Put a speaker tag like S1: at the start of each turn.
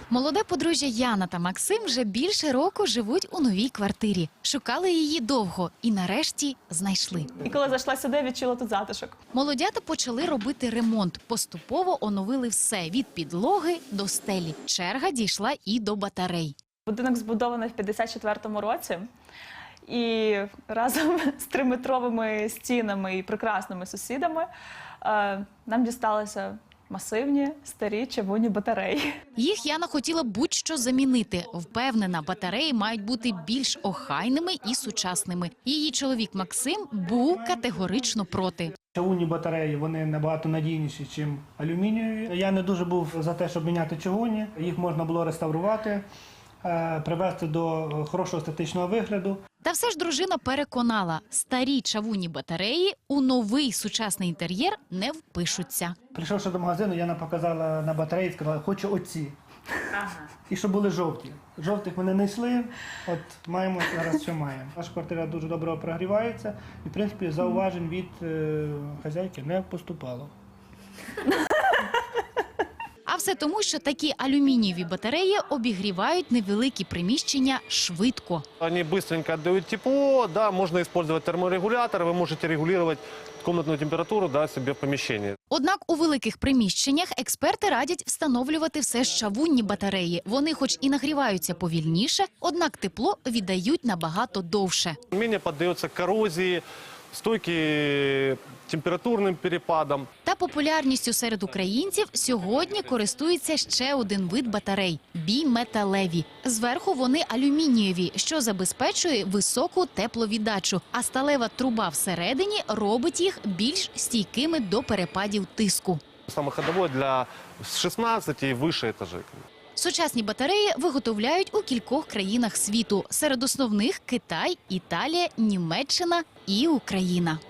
S1: Молоде подружжя Яна та Максим вже більше року живуть у новій квартирі. Шукали її довго і нарешті знайшли.
S2: І коли зайшла сюди, відчула тут затишок.
S1: Молодята почали робити ремонт. Поступово оновили все – від підлоги до стелі. Черга дійшла і до батарей.
S2: Будинок збудований в 54-му році. І разом з 3-метровими стінами і прекрасними сусідами нам дісталися масивні, старі чавунні батареї.
S1: Їх Яна хотіла будь-що замінити. Впевнена, батареї мають бути більш охайними і сучасними. Її чоловік Максим був категорично проти.
S3: Чавунні батареї, вони набагато надійніші, ніж алюмінієві. Я не дуже був за те, щоб міняти чавунні. Їх можна було реставрувати, привести до хорошого естетичного вигляду.
S1: Та все ж дружина переконала, старі чавунні батареї у новий сучасний інтер'єр не впишуться.
S3: Прийшовши до магазину, Яна показала на батареї і сказала, хочу оці. І щоб були жовті. Жовтих ми не знайшли, от маємо зараз, що маємо. Наша квартира дуже добре прогрівається і, в принципі, зауважень від хазяйки не поступало.
S1: А все тому, що такі алюмінієві батареї обігрівають невеликі приміщення швидко.
S4: Они быстренько отдают тепло, да, можно использовать терморегулятор, вы можете регулировать комнатную температуру, да, себе в помещении.
S1: Однак у великих приміщеннях експерти радять встановлювати все ж чавунні батареї. Вони хоч і нагріваються повільніше, однак тепло віддають набагато довше.
S4: Менее поддается коррозии, стойки температурним перепадам.
S1: Та популярністю серед українців сьогодні користується ще один вид батарей – біметалеві. Зверху вони алюмінієві, що забезпечує високу тепловіддачу, а сталева труба всередині робить їх більш стійкими до перепадів тиску.
S4: Самое ходовое для 16 и выше этажей.
S1: Сучасні батареї виготовляють у кількох країнах світу. Серед основних – Китай, Італія, Німеччина і Україна.